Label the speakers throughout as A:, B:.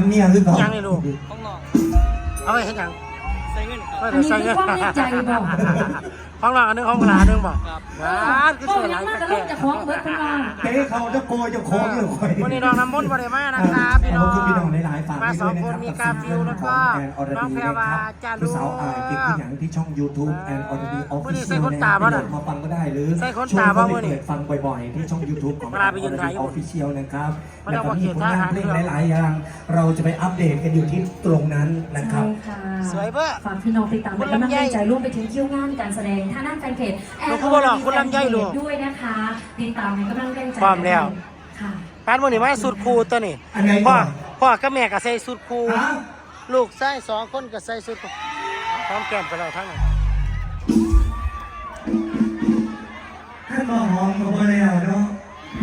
A: ำเมียคือก่อน
B: ยังเลยลูก
C: ห้องนอน
B: เอาไปเห็นยัง
C: ใส่เงินครับ
B: อันนี้คือความในใจบอกห้องหลังอันนึงห้องหลานึงบอกงานคือ
D: ก็
B: เสือห
D: ยั
B: ลาง ย
D: มาก
B: ตะ
D: กับ
B: แก่
D: ลูกจะคล้องเบิร์ดคุณน้อง
A: เต้เขาจะโกยจะโค้งอยู่คอย
B: วันนี้น้องน้ำมนต์บริมานะครับพี่น้อง
A: พี่น้องหลายๆฝาก
B: มา
A: ด้วย
B: สอง
A: นะ
B: คน
A: ครับ
B: มีกาฟิวแล้วก็น้องแพรวาจารุ
A: สาวอายติดที่อย่างที่ช่อง YouTube แอนออร์ดีออฟฟิ
B: วันนี้
A: เชี
B: ใส่
A: ยล
B: คน
A: นะ
B: ตา
A: ค
B: บ้า
A: รั
B: น่ะ
A: บมาฟังก็ได้หรือ
B: ใส่คน
A: ช่ว
B: ตาย บ้า
A: เขา
B: วะ
A: ไป
B: นี่
A: เปิดฟังบ่อยๆที่ช่อง YouTube ของ
B: เวลาไปยืนถ่าย
A: ออฟฟิเชียลนะครับ
B: มัน
A: แล้ว
B: เอา
A: ก็
B: มา
A: มี
B: เขียน
A: ผล
B: ท่าง
A: าน
B: หาง
A: เพลง
B: ด้วย
A: หลายๆอย่างเราจะไปอัปเดตกันอยู่ที่ตรงนั้นนะครับ
D: ใช่ค่ะ
B: สวยเบ้อ
D: ฝากพี่น้องติดตามเป็นกำลังใจร่วมไปถึงคิวงานการแสดงท่านั่งแฟนเพจแอนด้วยนะคะติดตามให้กำลังใจค่ะ
B: ปานวันนี้มาสุดครูตัวนี้
A: อันไหน
B: พ่อ
A: ก่อน
B: พ่อกับแม่ก็ใส่สุดครู
A: ฮะ
B: ลูกใส่สองคนก็ใส่สุดครูพร้อมแก้มกันแล้วทั้งนั้น
A: ให้มาหอมกับมาแล้วเนาะ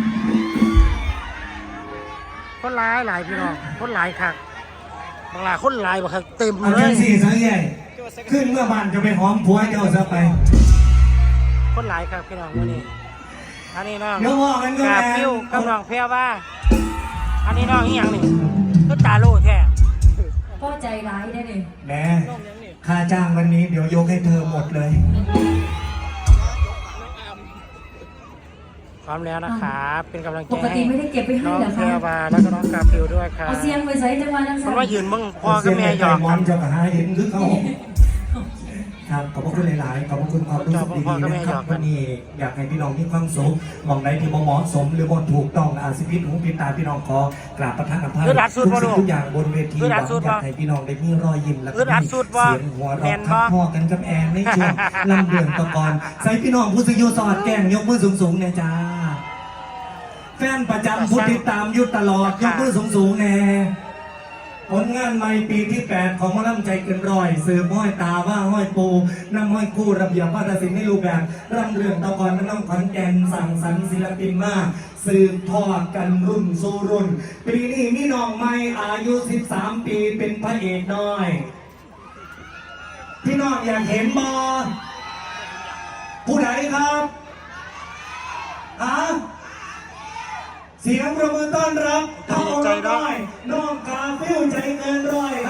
B: คนหลายพี่น้องคนหลายคักบางหลายคนหลายบ่คักเต็ม
A: เอา
B: เล
A: จั
B: ย
A: งสี่สังใหญ่ขึ้นเมื่อบ้านจะไปหอมผัวเจ้าซะไป
B: คนหลายคักพี่น้องวันนี้อันนี้น้อง
A: เดี๋ยวบอกกันก็
B: กา
A: แม่
B: ฟิวกับน้องแพรว่าอันนี้น้องอีหยังนี่ก็ตาโลแท้
D: พ่อใจร้ายได้เลย
A: แม่ค่าจ้างวันนี้เดี๋ยวยกให้เธอหมดเลย
B: พร้อมแล้วนะครับเป็นกำลังใจ
D: ปกติ
B: ให้
D: ไม่ได้เก็บไปให้
B: น้อง
D: เหรอ
B: แพร
D: คะ
B: ว่าแล้วก็น้องกาฟิวด้วยครับ
D: เอาเสียงไปใส่จังหวะนั้น
B: มันว่ายืนมึงพ่อกับแม่หยอก
A: ม
B: กั
A: อน นเจ้ากับหาเห็นคือเขาครับขอบพระคุณหลายๆขอบพระคุณความรู้สึกดีๆนะครับวันนี้อยากให้พี่น้องมีความสุขมองใดที่บ่เหมาะสมหรือบ่ถูกต้องอาศิพิษหูพิษตาพี่น้องขอกราบประทานอภัยทุกสิ่งทุกอย่างบนเวทีหวังอยากให้พี่น้องได้มีรอยยิ้มและมีเสียงหัวเราะทักพ่อกันกับแอนในช่วงลำเดือนตะกอนใส่พี่น้องผู้สิโยสอดแก้งยกมือสูงๆเนี่ยจ้าแฟนประจำผู้ติดตามอยู่ตลอดยกมือสูงๆแน่ผลงานใหม่ปีที่ 8 ของหมอลำใจเกินร้อยสืบห้อยตาว่าห้อยปูน้ำห้อยคู่ระเบียบวัฒนศิลป์ในรูปแบบร่ำเรื่องตะกอนน้องขอนแก่นสั่งสรรค์ศิลปินมากสืบทอดกันรุ่นสู่รุ่น ปีนี้มีน้องใหม่อายุ 13 ปีเป็นพระเอกน้อย พี่น้องอยากเห็นบอผู้ใดครับฮะเสียงประมือต้อนรับ
B: ดีใจเนอะ
A: น้องกาฟิวใจเกินร้อยค